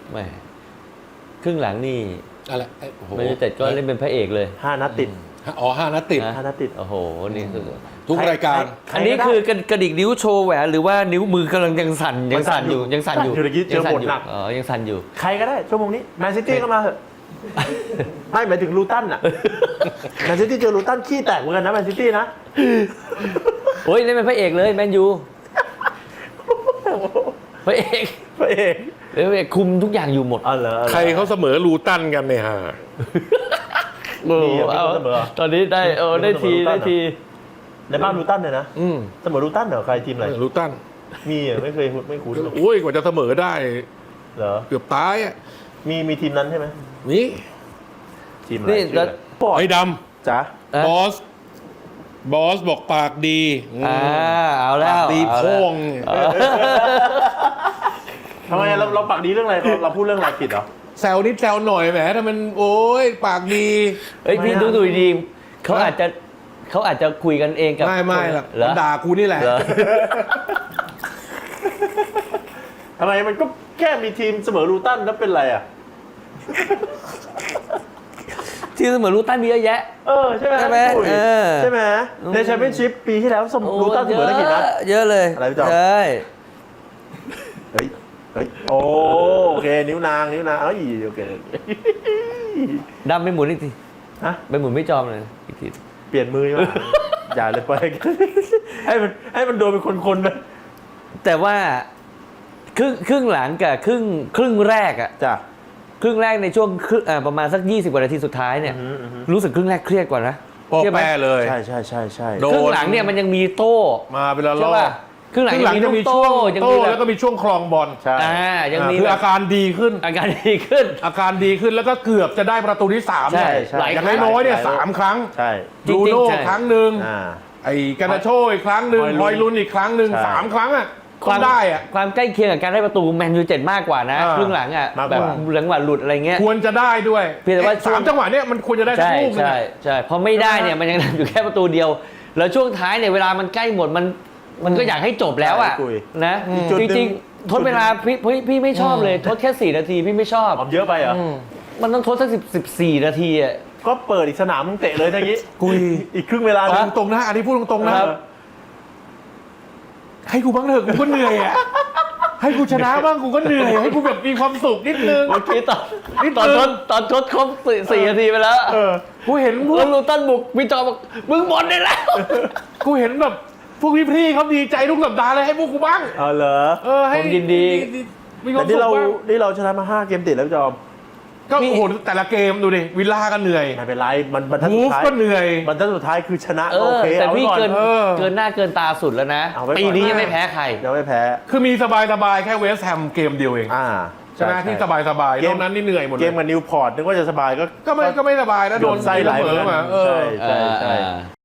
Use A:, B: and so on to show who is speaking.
A: แหมครึ่งหลังนี่
B: อะไร
A: แมนยูไนเต็ดก็เล่นเป็นพระเอกเลย
C: 5 นัดติด
B: อ๋อ5 นัดติด
C: 5 นัดติด
A: โอ้โหนี่คือ
B: ทุกรายการ
A: อันนี้คือกระดิกนิ้วโชว์แหวนหรือว่านิ้วมือกำลังยังสั่นอยู่ยังสั่นอยู่
C: เจอบทหนัก
A: ยังสั่นอยู่
C: ใครก็ได้ชั่วโมงนี้แมนซิตี้ก็มาเถอะไม่หมายถึงลูตันอ่ะแมนซิตี้เจอลูตันขี้แตกเหมือนกันนะแมนซิตี้นะ
A: โอ้ยเล่นเป็นพระเอกเลยแมนยูพระเอก
C: พระเอก
A: คุมทุกอย่างอยู่หมด
B: ใครเขาเสมอลูตันกันเนี่ยฮะ
A: ตอนนี้ได้ที
C: ในบ้านลูตันเลยนะเสมอลูตันเหรอใครทีมอะไร
B: ลูตัน
C: มีไม่เคยไม่คุ้น
B: โอ้ยกว่าจะเสมอได้
C: เหรอ
B: เกือบตายอ่ะ
C: มีทีมนั้นใช่ไหม
B: นี่
C: ทีมอะไร
B: ไอ้ดำ
C: จ๋า
B: บอสบอกปากดี
A: เอาแล้ว
B: ปากดีโพ่ง
C: ทำไมเราปากดีเรื่องอะไรเราพูดเรื่องอะไรผิดเหรอ
B: แซวนิดแซวหน่อยแหมถ้ามันโอ้ยปากดี
A: พี่ดูดีเขาอาจจะคุยกันเองกับ
B: ไม่หรอกด่ากูนี่แหละ
C: ทำไมมันก็แค่มีทีมเสมอลูตันแล้วเป็นไรอ่ะ
A: ทีมเสมอลูตันมีเยอะแยะ
C: ใช่ไหมใช่ไหมในแชมเปี้ยนชิพปีที่แล้วลูตันเสมอได้กี่นัด
A: เยอะเลย
C: อะไรพี่จอม
A: ใช่
C: เฮ้ยโอเคนิ้วนางโอเค
A: ดำไปหมุนอีกทีไปหมุนไม่จอมเลยอีกที
C: เปลี่ยนมือมาอย่าเลยไปให้มันโดนเป็นคนๆไป
A: แต่ว่าครึ่งหลังกับครึ่งแรกอะ
C: จ้ะ
A: ครึ่งแรกในช่วงประมาณสัก20 กว่านาทีสุดท้ายเนี่ยรู้สึกครึ่งแรกเครียดกว่านะ
B: เครียดเลย
C: ใช่
A: ครึ่งหลังเนี่ยมันยังมีโต้
B: มาเป็นละรอบ
A: ครึ่งหลังยังมีโต้
B: แล้วก็มีช่วงคลองบอล
C: ใช่
A: ยังมี
B: คืออาการดีขึ้น
A: แล้ว
B: ก็เกือบจะได้ประตูที่3เนี่ยอย่างน้อยๆเนี่ย3 ครั้งบรูโน่ครั้งหนึ่งไอ้กานาโชอีกครั้งหนึ่งฮอยลุนอีกครั้งหนึ่ง3 ครั้งอ่ะ
A: ความใกล้เคียงกับการได้ประตูแมนยูเต็ดมากกว่านะครึ่งหลังอ่ะแบบจังหวะหลุดอะไรเงี้ย
B: ควรจะได้ด้วย
A: เพียงแต่ว่า
B: 3 จังหวะเนี้ยมันควรจะได้ทุกลูก
A: ใช่พอไม่ได้เนี่ยมันยังอยู่แค่ประตูเดียวแล้วช่วงท้ายเนี่ยเวลามันใกล้หมดมันก็อยากให้จบแล้วอ่ะนะจริงๆทดเวลาพี่ไม่ชอบเลยทดแค่4 นาทีพี่ไม่ชอบ
C: เยอะไปเหรอ
A: มันต้องทดสัก14 นาทีอ่ะ
C: ก็เปิดอีกสนามมึงเตะเลยทั้งนี้อีกครึ่งเวลา
B: ตรงๆนะอันนี้พูดตรงๆนะให้กูบ้างเถอะกูก็เหนื่อยอ่ะให้กูชนะบ้างกูก็เหนื่อยให้กูแบบมีความสุขนิดนึง
A: โอเคตอนทดครบ4 นาทีไปแล้ว
B: กูเห็นพวก
A: ลูตันบุกวิจารณ์บอกมึงหมดได้แล้ว
B: กูเห็นแบบพวกพี่ๆเขาดีใจทุกสัปดาห์เลยให้พวกกูบ้าง
C: เหรอ
A: ผมยินดี
C: แต่ที่เราชนะมา5 เกมติดแล้วพี่จอม
B: ก็โอ้โหแต่ละเกมดูดิวิลล่าก็เหนื่อย
C: ไม่เป็นไรมันบรรทัดสุดท้าย
B: ก็เหนื่อย
C: บรรทัดสุดท้ายคือชนะโอเค
A: แต่พี่เกินหน้าเกินตาสุดแล้วนะปีนี้ยังไม่แพ้ใคร
C: ยังไม่แพ้
B: คือมีสบายแค่เวสต์แฮมเกมเดียวเองชนะที่สบายนอกนั้นนี่เหนื่อยหมด
C: เกมกับนิวพอร์ตนึกว่าจะสบายก็
B: ไม่สบายนะโดน
C: ไส้ไหลมาใช่